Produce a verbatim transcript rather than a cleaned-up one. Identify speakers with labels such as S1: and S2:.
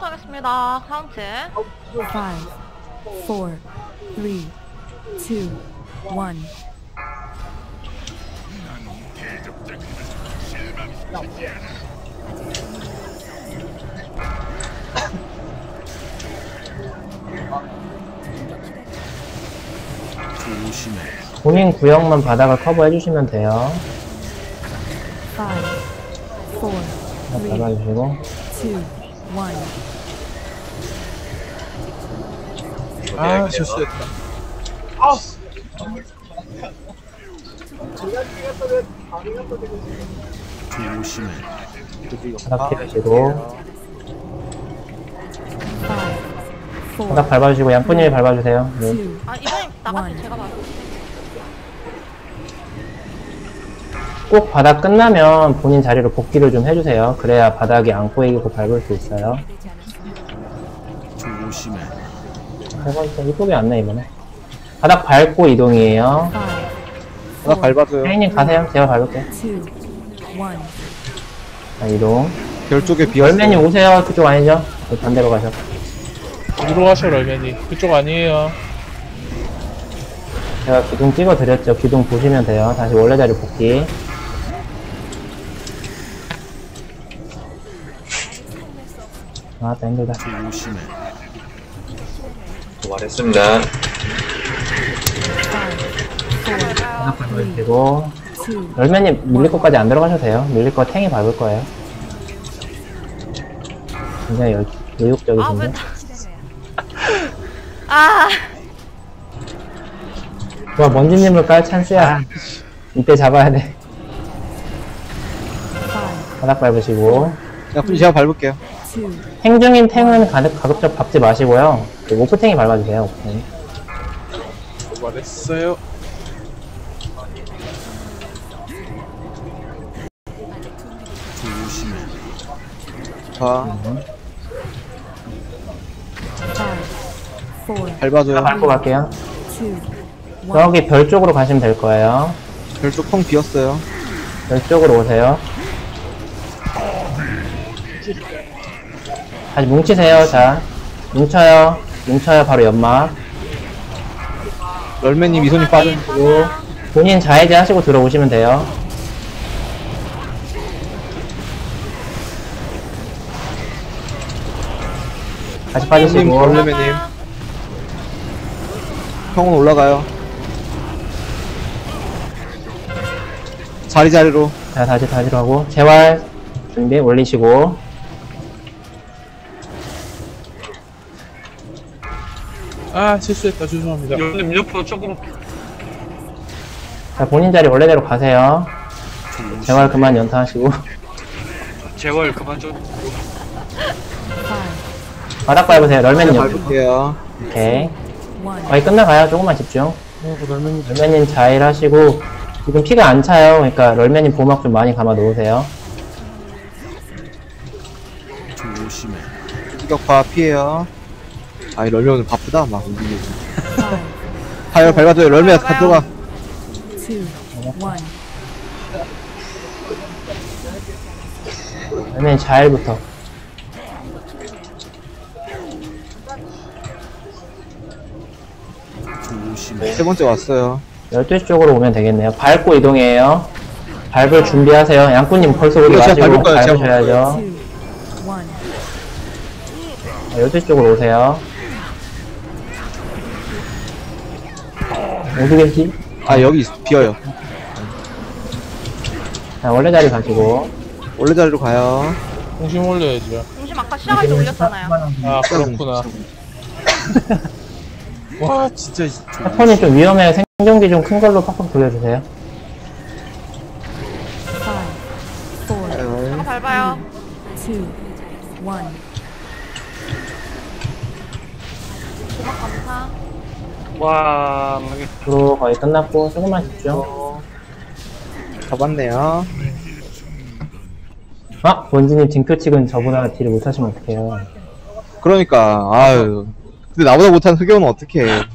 S1: 하겠습니다. 카운트.
S2: five, four, three, two, one.
S3: 본인 구역만 바닥을 커버해 주시면 돼요.
S2: five, four, three,
S3: 잡아주시고.
S2: two, one.
S4: 아, 실수했다.
S3: 바닥 피하시고.
S2: five, four,
S3: 바닥 밟아주시고 양꾼님이 밟아주세요. 네.
S2: two,
S1: 아, 이번엔 나갔어요. 제가 봐도.
S3: 꼭 바닥 끝나면 본인 자리로 복귀를 좀 해주세요. 그래야 바닥이 안 꼬이고 밟을 수 있어요. 밟아주세요. 이쁘게 안 나, 이번에. 바닥 밟고 이동이에요.
S2: five,
S4: 바닥 밟아줘요.
S3: 혜인님 가세요. 제가 밟을게요.
S2: two, one.
S3: 자, 이동.
S4: 별 쪽에 비었어요.
S3: 열매님 오세요. 그쪽 아니죠? 반대로 가셔.
S5: 어디로 가셔, 럴맨이? 그쪽 아니에요.
S3: 제가 기둥 찍어드렸죠. 기둥 보시면 돼요. 다시 원래 자리 복귀. 아, 힘들다.
S6: 말했습니다.
S3: 바닥 밟으시고. 열매님 밀릴 것까지 안 들어가셔도 돼요. 밀릴 거 탱이 밟을 거예요. 굉장히 여,
S1: 아, 왜
S3: 의욕적이신데.
S1: 다. 아,
S3: 좋아, 먼지님을 깔 찬스야. 이때 잡아야 돼. 바닥 밟으시고.
S4: 야, 그럼 제가 밟을게요.
S2: two,
S3: 행중인 탱은 가급, 가급적 밟지 마시고요. 그 오프탱이 밟아주세요, 오프탱이.
S5: 말했어요.
S4: 자,
S2: five, four,
S4: 밟아줘요.
S3: 밟고 갈게요.
S2: two, one.
S3: 저기 별 쪽으로 가시면 될 거예요.
S4: 별 쪽 텅 비었어요.
S3: 별 쪽으로 오세요. 다시 뭉치세요, 자. 뭉쳐요. 뭉쳐요, 바로 연막.
S4: 럴맨님 이손이 빠져.
S3: 그리고 본인 자해제 하시고 들어오시면 돼요. 다시
S4: 님,
S3: 빠지시고.
S4: 럴맨님. 형은 올라가요. 자리 자리로.
S3: 자, 다시 다시로 하고. 재활 준비 올리시고.
S5: 아, 실수했다. 죄송합니다.
S7: 형님 옆으로 조금
S3: 자, 본인 자리 원래대로 가세요. 재활 그만 연타하시고.
S7: 재활 그만 좀.
S2: five,
S3: 바닥 밟으세요. 럴맨님
S4: 제가
S3: 옆.
S4: 밟을게요.
S3: 오케이.
S2: one.
S3: 거의 끝나가요. 조금만 집중.
S4: 어, 그 럴맨님.
S3: 럴맨님 자일 하시고. 지금 피가 안 차요. 그러니까 럴맨님 보막 좀 많이 감아 놓으세요.
S4: 공격파 피해요. 아, 이 럴맨 오늘 바쁘다. 막 움직이고.
S2: five,
S4: 타요, 밟아줘요. 럴맨 가 들어가.
S2: two, one.
S3: 럴맨 자일부터.
S4: 세 번째 왔어요.
S3: 열두 시 쪽으로 오면 되겠네요. 밟고 이동해요. 밟을 준비하세요. 양꾼님 벌써 오지
S4: 이거 제가
S3: 마시고
S4: 밟을 거예요, 제가
S3: 밟으셔야죠.
S2: two, one.
S3: 열두 시 쪽으로 오세요. 어디 계시?
S4: 아, 여기 있- 비어요.
S3: 자, 원래 자리 가시고.
S4: 원래 자리로 가요.
S5: 중심 올려야죠.
S1: 중심 아까 시작할 때 올렸잖아요.
S5: 아, 그렇구나. 와, 진짜.
S3: 패턴이 좀 위험해요. 생존기 좀 큰 걸로 팍팍 돌려주세요.
S2: Five, four,
S1: 저거 밟아요.
S2: two, one.
S1: 고막 감사.
S7: 와, 이게
S3: 앞으로 거의 끝났고, 조금만 집중.
S4: 잡았네요.
S3: 아! 본진님 징표 찍은 저보다 딜을 못하시면 어떡해요.
S4: 그러니까, 아유. 근데 나보다 못한 흑연은 어떡해.